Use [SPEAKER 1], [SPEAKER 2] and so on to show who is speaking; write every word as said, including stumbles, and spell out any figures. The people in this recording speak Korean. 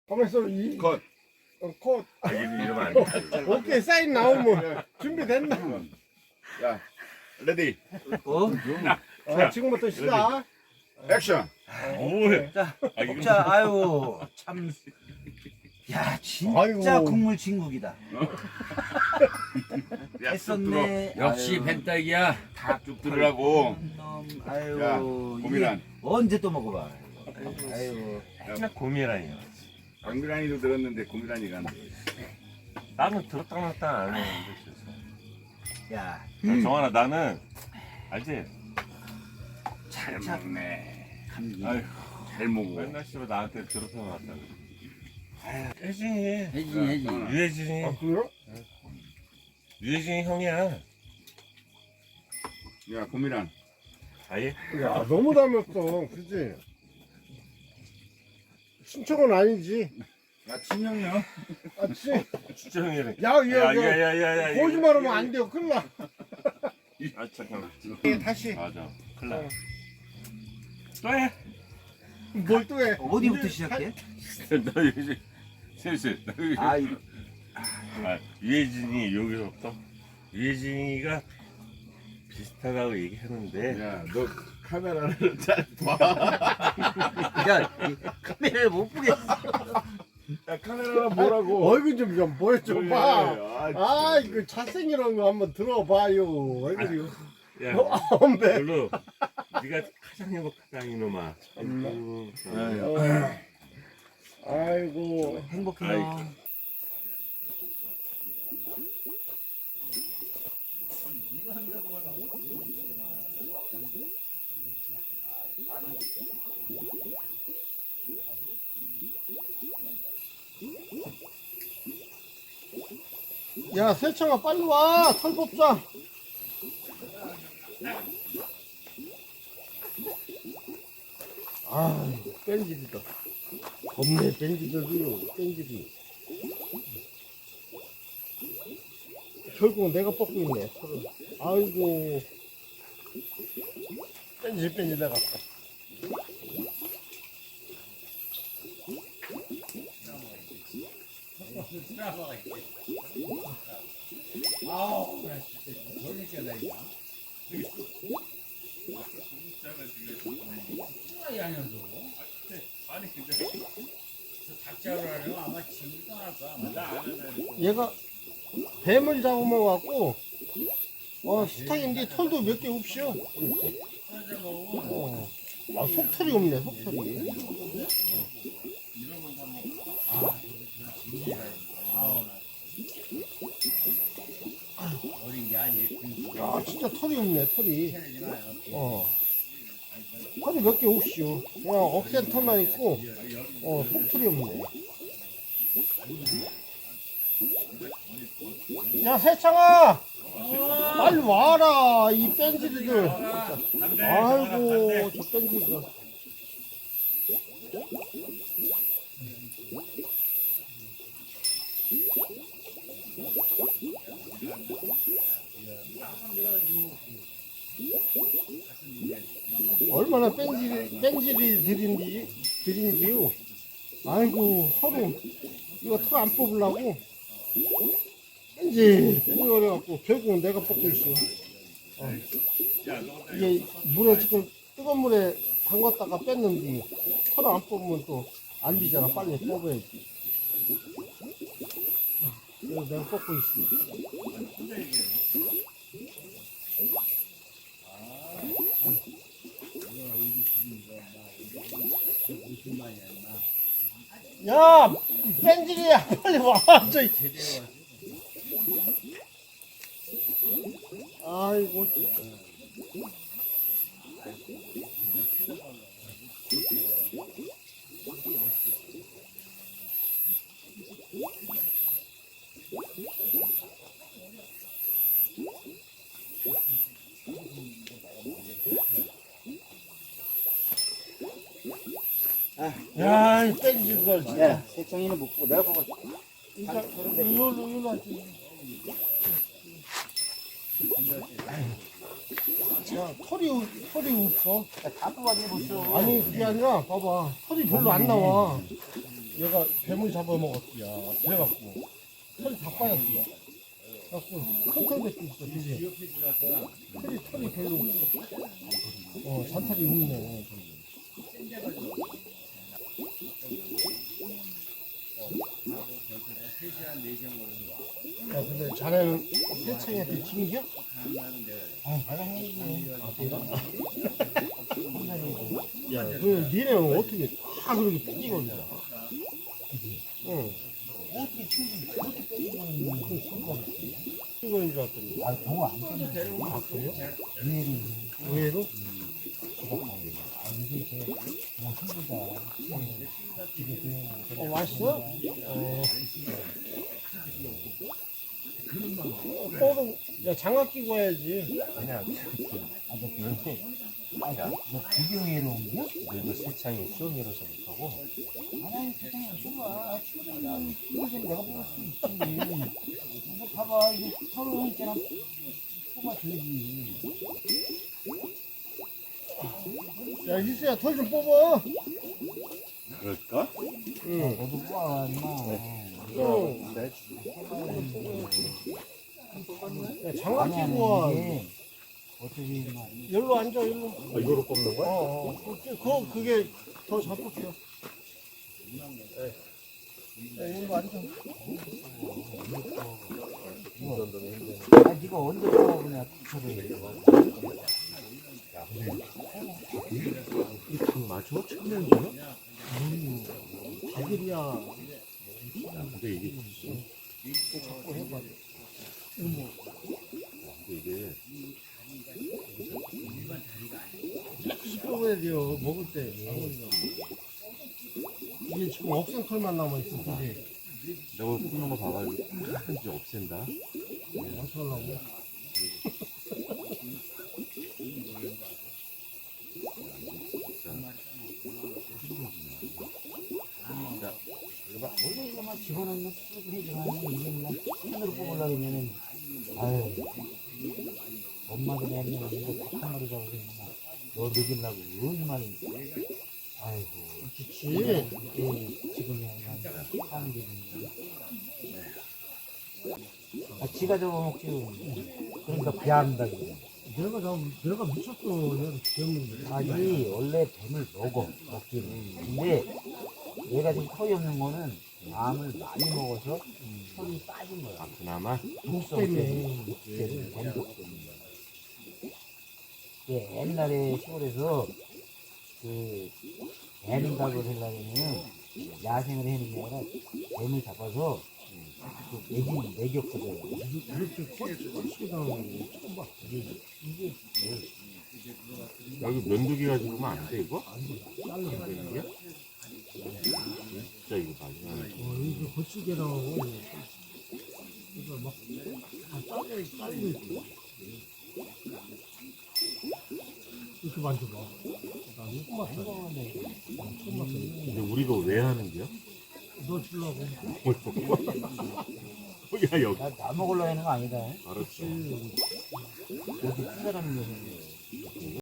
[SPEAKER 1] 가만있어. 이,
[SPEAKER 2] 컷.
[SPEAKER 1] 어, 컷.
[SPEAKER 2] 아, 이러면 안 돼.
[SPEAKER 1] 오케이, 사인 나오면 준비됐나?
[SPEAKER 2] 야, 레디.
[SPEAKER 3] 어?
[SPEAKER 1] 아, 지금부터 시작.
[SPEAKER 2] 액션.
[SPEAKER 4] 뭐해?
[SPEAKER 3] 자,
[SPEAKER 4] 아, 이거
[SPEAKER 3] 먹자. 아유, 참. 야, 진짜
[SPEAKER 1] 아이고.
[SPEAKER 3] 국물 진국이다.
[SPEAKER 2] 야,
[SPEAKER 3] 했었네.
[SPEAKER 4] 역시
[SPEAKER 3] 아유,
[SPEAKER 4] 벤딱이야.
[SPEAKER 2] 쭉 들으라고.
[SPEAKER 3] 놈, 아유,
[SPEAKER 2] 야,
[SPEAKER 3] 이게
[SPEAKER 2] 고민한.
[SPEAKER 3] 언제 또 먹어봐. 아유,
[SPEAKER 4] 맨날 고민이라니요.
[SPEAKER 2] 강미란이도 들었는데 고미란이가 안 돼.
[SPEAKER 4] 나는 들었다 놨다 안 했는데 그래서.
[SPEAKER 3] 야,
[SPEAKER 4] 야, 정환아 나는 알지?
[SPEAKER 2] 잘
[SPEAKER 3] 참.
[SPEAKER 2] 먹네.
[SPEAKER 3] 감기.
[SPEAKER 2] 아휴, 잘 먹어.
[SPEAKER 4] 맨날 씨발 나한테 들었다 놨다.
[SPEAKER 3] 아유,
[SPEAKER 4] 혜진이,
[SPEAKER 3] 해지, 해지.
[SPEAKER 4] 유혜진이,
[SPEAKER 1] 아, 그래요?
[SPEAKER 4] 유혜진이 형이야.
[SPEAKER 2] 야, 고미란.
[SPEAKER 4] 아예?
[SPEAKER 1] 야, 너무 닮았어. 그지? 신청은 아니지.
[SPEAKER 2] 야, 친형이요?
[SPEAKER 1] 아, 치.
[SPEAKER 4] 진짜 형이래.
[SPEAKER 1] 야, 야, 야.
[SPEAKER 4] 야야야야야.
[SPEAKER 1] 거짓말하면 안 돼요. 큰일 나.
[SPEAKER 4] 아 잠깐만.
[SPEAKER 1] 예, 다시.
[SPEAKER 4] 맞아. 큰일 나. 또 해.
[SPEAKER 1] 뭘 또 해?
[SPEAKER 3] 어디부터
[SPEAKER 1] 이제
[SPEAKER 3] 시작해?
[SPEAKER 4] 너 유혜진. 슬슬. 너 유혜진.
[SPEAKER 3] 아, 이-
[SPEAKER 4] 아, 유혜진이 여기서부터 유혜진이가 비슷하다고 얘기하는데
[SPEAKER 2] 야, 너 카메라를 잘 봐.
[SPEAKER 3] 야, 이 카메라를 못 보겠어.
[SPEAKER 2] 야, 카메라가 뭐라고?
[SPEAKER 1] 얼굴 좀, 좀 보여줘 봐.
[SPEAKER 2] 아,
[SPEAKER 1] 아, 이거 잘생기는 거 한번 들어봐요. 얼굴이.
[SPEAKER 4] 야
[SPEAKER 1] 어, 엄배.
[SPEAKER 4] 별로 네가 가장 행복하다 이놈아. 아이고,
[SPEAKER 1] 어. 아이고.
[SPEAKER 3] 행복해요.
[SPEAKER 1] 야, 세청아, 빨리 와. 털 뽑자. 아, 뺀질이다. 겁내, 뺀질이요, 뺀질이. 결국은 내가 뽑고 있네, 털을. 아이고. 뺀질, 뺀질 내가. 얘가 뱀을 잡아먹어갖고 어 스탁인데 털도 몇 개 없이요. 어. 아, 속털이 없네, 속털이. 야, 진짜 털이 없네, 털이. 어. 털이 몇 개 없이요. 그냥 억센 털만 있고, 어, 속털이 없네. 야, 세창아! 빨리 와라, 이 뺀질이들. 아이고, 저 뺀질이들. 얼마나 뺀질, 뺀질이 들인지, 들인지요. 아이고, 서로, 이거 털 안 뽑으려고. 뺀질, 뺀질 어려갖고, 결국은 내가 뽑고 있어. 어. 이게 물에 지금, 뜨거운 물에 담갔다가 뺐는데, 털 안 뽑으면 또 안 되잖아. 빨리 뽑아야지. 그래서 내가 뽑고 있어. 야, 뺀질이야, 빨리 와, 저. 아이고. 야, 이 뺀질들 진짜.
[SPEAKER 3] 야, 세청이는 못 보고 내가 보고.
[SPEAKER 1] 진짜, 이걸로, 이걸로 하지. 야, 털이, 털이 없어.
[SPEAKER 3] 다 뽑아내 보쇼.
[SPEAKER 1] 아니, 그게 아니라, 봐봐. 털이 별로 안 나와. 얘가 뱀을 잡아먹었지야. 그래갖고 털이 다 빠졌지야. 그래갖고 큰 털밖에 있어. 그지? 털이 털이 별로 없어. 어 잔털이 없네. 야 근데 자네는 세창한테 징겨? 아 내가 해야지. 아 내가? 야 그 니네는 어떻게 다 그렇게 빼기거리냐? 응. 어떻게 튀기 그렇게 빼기거리는 그 순간 이거인 줄 알았더니.
[SPEAKER 5] 아, 경우 안 끊는데.
[SPEAKER 1] 아 그래요?
[SPEAKER 5] 의외로.
[SPEAKER 1] 의외로?
[SPEAKER 5] 아, 이게 이제 뭐 힘들다. 집에 그냥.
[SPEAKER 1] 어 맛있어? 어. 뽀도 야 장갑 끼고 와야지.
[SPEAKER 4] 아니야.
[SPEAKER 5] 아, 너 그런데. 아, 너 구경회로 온 거야?
[SPEAKER 4] 너희도 세창이 수영이라서 못하고.
[SPEAKER 5] 아니, 세상에 좋아. 친구들은 친구들 내가 뽑을 수 있지. 이거 봐봐. 이거 서로 있잖아. 뽑아줘야지.
[SPEAKER 1] 야 희수야 털 좀 뽑아.
[SPEAKER 2] 그럴까?
[SPEAKER 1] 응.
[SPEAKER 5] 너도 뽑아, 임마.
[SPEAKER 1] 응. 야 장갑
[SPEAKER 5] 아니,
[SPEAKER 1] 끼고 와.
[SPEAKER 5] 아니, 이게 어차피 막.
[SPEAKER 1] 여기로 앉아 여기로.
[SPEAKER 4] 아, 이거로 뽑는 거야?
[SPEAKER 1] 어, 어. 그, 그, 그게 더 잘 뽑혀. 야, 이걸로 앉아.
[SPEAKER 5] 아, 네가 언제 뽑아보냐, 저를.
[SPEAKER 4] 이닭 맞아? 천명이야?
[SPEAKER 1] 음, 자질이야.
[SPEAKER 4] 야, 근데 이게 있어.
[SPEAKER 1] 자꾸 해봐.
[SPEAKER 4] 근데 이게
[SPEAKER 1] 씹어야 돼요, 먹을 때. 이게 지금 억센 털만 남아있어, 그지?
[SPEAKER 4] 내가 뽑는 거 봐봐. 이거 이제 없앤다.
[SPEAKER 1] 맞춰려고.
[SPEAKER 5] 원래 이거 막 집어넣으면 쭉 해지만 이게 그냥 손으로 뽑으려고 하면은 아유 엄마들이 하면 이거 한 마리 잡으면 너 먹이려고 얼마나 아이고
[SPEAKER 1] 그치.
[SPEAKER 5] 이게 지금이 그냥 사람들이 아 지가 잡아먹지 그러니까 배한다 그래.
[SPEAKER 1] 내가 잡, 내가 미쳤어. 내가 배웠는데.
[SPEAKER 5] 아니 원래 뱀을 먹어 먹기는 근데 얘가 지금 털이 없는 거는 암을 많이 먹어서 털이 빠진 거야.
[SPEAKER 4] 아, 그나마?
[SPEAKER 1] 독 때문에.
[SPEAKER 5] 목재를 뱀독 때문에. 그 옛날에 시골에서 그 뱀각을 하려면은 야생을 해는 게 아니라 뱀을 잡아서 그 매기 매겼거든.
[SPEAKER 1] 이렇게 꼴찌, 꼴찌게 당하는 거 처음 봤어.
[SPEAKER 5] 이게 이게
[SPEAKER 4] 여기 면도기가 지금 안 돼, 이거?
[SPEAKER 1] 잘라.
[SPEAKER 4] 이게? 진짜 이거 마지막에.
[SPEAKER 1] 어, 이게 거치게 나오고. 이거 막, 다 잘려, 잘려 있고. 이렇게 만져봐. 나 이거 맛어 처음 봤어.
[SPEAKER 4] 근데 우리가 왜 하는 거야?
[SPEAKER 1] 너 주려고.
[SPEAKER 4] 야, 여기.
[SPEAKER 5] 나, 나 먹으려고 하는 거 아니다.
[SPEAKER 4] 알았어.
[SPEAKER 5] 여기 큰 사람이